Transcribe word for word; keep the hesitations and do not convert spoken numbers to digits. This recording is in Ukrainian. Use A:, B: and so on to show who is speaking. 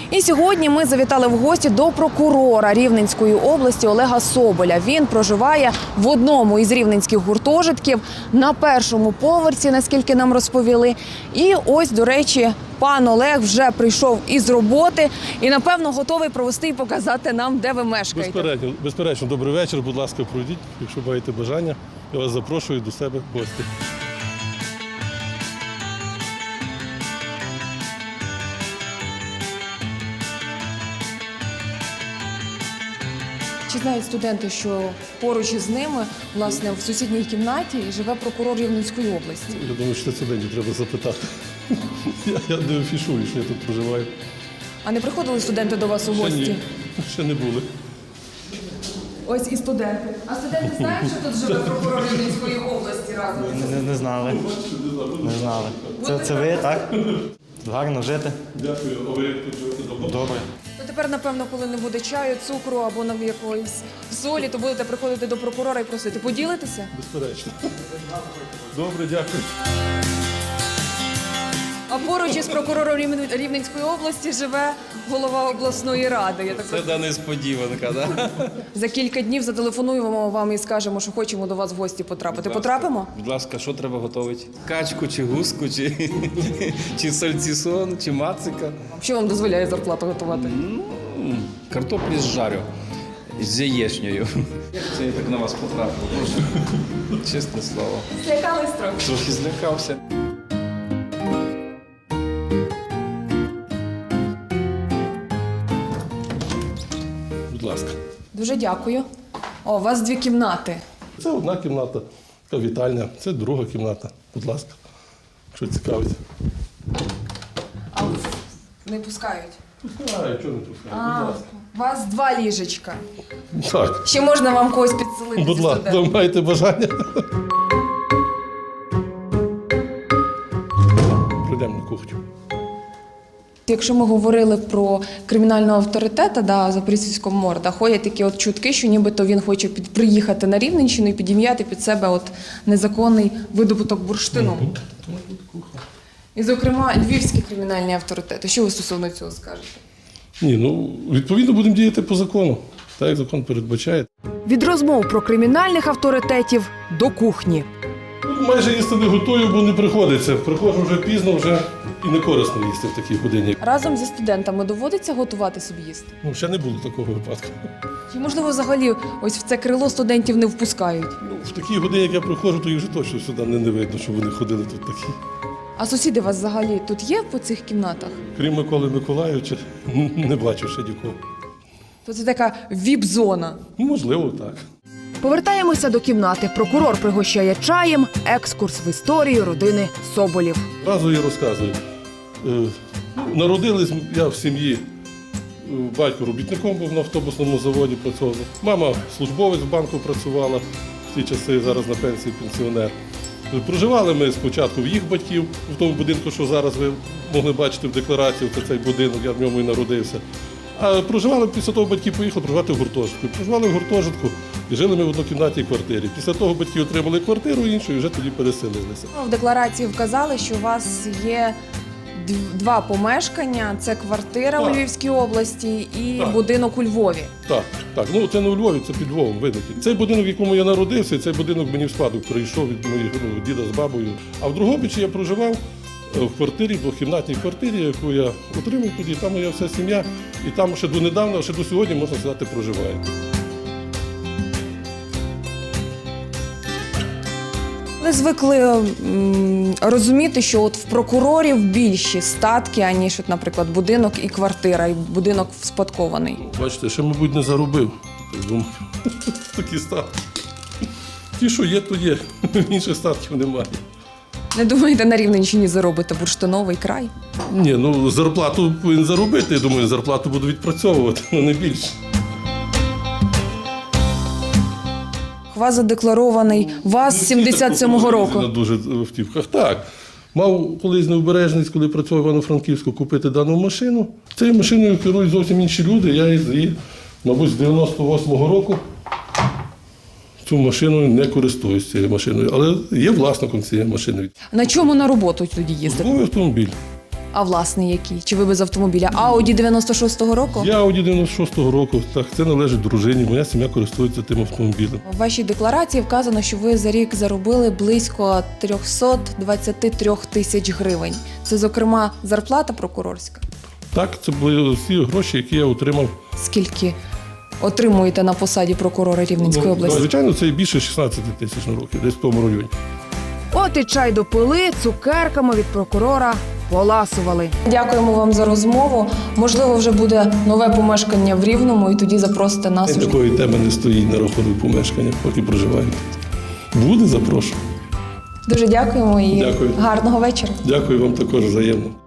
A: І сьогодні ми завітали в гості до прокурора Рівненської області Олега Соболя. Він проживає в одному із рівненських гуртожитків на першому поверсі, наскільки нам розповіли. І ось, до речі, пан Олег вже прийшов із роботи і, напевно, готовий провести і показати нам, де ви мешкаєте.
B: Безперечно, безперечно, добрий вечір, будь ласка, пройдіть, якщо маєте бажання. Я вас запрошую до себе в гості.
A: Чи знають студенти, що поруч із ними, власне, в сусідній кімнаті живе прокурор Рівненської області?
B: Я думаю, що це студентів треба запитати. Я, я не афішую, що я тут проживаю.
A: А не приходили студенти до вас у
B: Ще
A: гості?
B: ні, ще не були.
A: Ось і студенти. А студенти знають, що тут живе прокурор Рівненської області разом?
C: Не, не знали. Не знали. Це, це ви, так? Гарно жити.
B: Дякую, а ви як тут живете давно?
C: Добре.
A: Ну, тепер, напевно, коли не буде чаю, цукру або на якоїсь солі, то будете приходити до прокурора і просити. Поділитися?
B: Безперечно. Добре, дякую.
A: А поруч із прокурором Рівне- Рівненської області живе голова обласної ради. Я так
D: Це да несподіванка, да?
A: За кілька днів зателефонуємо вам і скажемо, що хочемо до вас в гості потрапити. Потрапимо?
D: Будь ласка, що треба готувати? Качку, чи гуску, чи, чи сальцісон, чи мацика.
A: Що вам дозволяє зарплату готувати?
D: М, Картоплі з жарю, з яєчнею. Як це я так на вас потрапив? Боже, чесне слово.
A: Злякались трохи.
D: Трохи злякався.
B: Будь ласка.
A: Дуже дякую. О, у вас дві кімнати.
B: Це одна кімната, така вітальня, це друга кімната. Будь ласка, якщо цікавить.
A: А не пускають.
B: Пускаю, чого не пускаю,
A: А,
B: будь ласка.
A: у вас два ліжечка.
B: Так,
A: Ще можна вам когось підселити.
B: будь
A: зі
B: ласка,
A: студентів.
B: ви маєте бажання. Пройдемо на кухню.
A: Якщо ми говорили про кримінального авторитета, да, Запорізького морда, ходять такі от чутки, що нібито він хоче під, приїхати на Рівненщину і підім'яти під себе от незаконний видобуток бурштину. І, зокрема, львівські кримінальні авторитети. Що ви стосовно цього скажете?
B: Ні, ну, відповідно, будемо діяти по закону, так як закон передбачає.
E: Від розмов про кримінальних авторитетів до кухні.
B: Ну, майже їсти не готую, бо не приходиться. Приходжу вже пізно, вже і не корисно їсти в такій годині.
A: Разом зі студентами доводиться готувати собі їсти?
B: Ну, ще не було такого випадку.
A: Чи, можливо, взагалі ось в це крило студентів не впускають?
B: Ну, в такій годині, як я приходжу, то їх вже точно сюди не, не видно, що вони ходили тут такі.
A: А сусіди у вас взагалі тут є по цих кімнатах?
B: Крім Миколи Миколайовича, не бачу ще нікого.
A: То це така віп-зона.
B: Ну, можливо, так.
E: Повертаємося до кімнати. Прокурор пригощає чаєм, екскурс в історію родини Соболів.
B: Разу я розказую. Е, Народились я в сім'ї, е, батько робітником був на автобусному заводі, працював. Мама службовець в банку працювала в ті часи, зараз на пенсії пенсіонер. Е, Проживали ми спочатку в їх батьків, в тому будинку, що зараз ви могли бачити в декларації, це цей будинок, я в ньому і народився. А проживали після того, батьки поїхали проживати в гуртожитку. Проживали в гуртожитку і жили ми в однокімнатній квартирі. Після того батьки отримали квартиру іншу і вже тоді переселилися.
A: В декларації вказали, що у вас є дв- два помешкання. Це квартира
B: Так.
A: у Львівській області і
B: Так.
A: будинок у Львові.
B: Так, так. Ну це не у Львові, це під Львовом, видите. Цей будинок, в якому я народився, і цей будинок мені в спадок прийшов від моїх ну, діда з бабою. А в Дрогобичі я проживав е, в квартирі, в двохкімнатній квартирі, яку я отримав тоді. Там моя вся сім'я, і там ще донедавна, ще до сьогодні, можна сказати, проживає.
A: Ви звикли м, розуміти, що от в прокурорів більші статки, аніж, от, наприклад, будинок і квартира, і будинок вспадкований.
B: Бачите, ще, мабуть, не заробив. Так думаю, такі статки. Ті, що є, то є. Інших статків немає.
A: Не думаєте, на Рівненщині заробите бурштиновий край?
B: Ні, ну зарплату повинен заробити, я думаю, зарплату буду відпрацьовувати, але не більше.
A: Вас задекларований ВАЗ сімдесят сьомого року.
B: На дуже автівках. Так. Мав колись необережність, коли працював в Івано-Франківську, купити дану машину. Цією машиною керують зовсім інші люди. Я її, мабуть, з дев'яносто восьмого року цю машиною не користуюсь цією машиною. Але є власником цієї машини.
A: На чому на роботу тоді їздите?
B: Службовий автомобіль.
A: А власний який? Чи ви без автомобіля? Ауді дев'яносто шостого року?
B: Я Ауді дев'яносто шостого року, так, це належить дружині, моя сім'я користується тим автомобілем.
A: У вашій декларації вказано, що ви за рік заробили близько триста двадцять три тисяч гривень. Це, зокрема, зарплата прокурорська.
B: Так, це були всі гроші, які я отримав.
A: Скільки отримуєте на посаді прокурора Рівненської
B: Ну,
A: області?
B: звичайно, це більше шістнадцять тисяч на роки, десь в тому районі.
E: От і чай допили, цукерками від прокурора поласували.
A: Дякуємо вам за розмову. Можливо, вже буде нове помешкання в Рівному, і тоді запросите нас. уже.
B: Такої теми не стоїть на рахунок помешкання, поки проживаю тут. Буде, запрошую.
A: Дуже дякуємо і
B: Дякую.
A: гарного вечора.
B: Дякую вам також взаємно.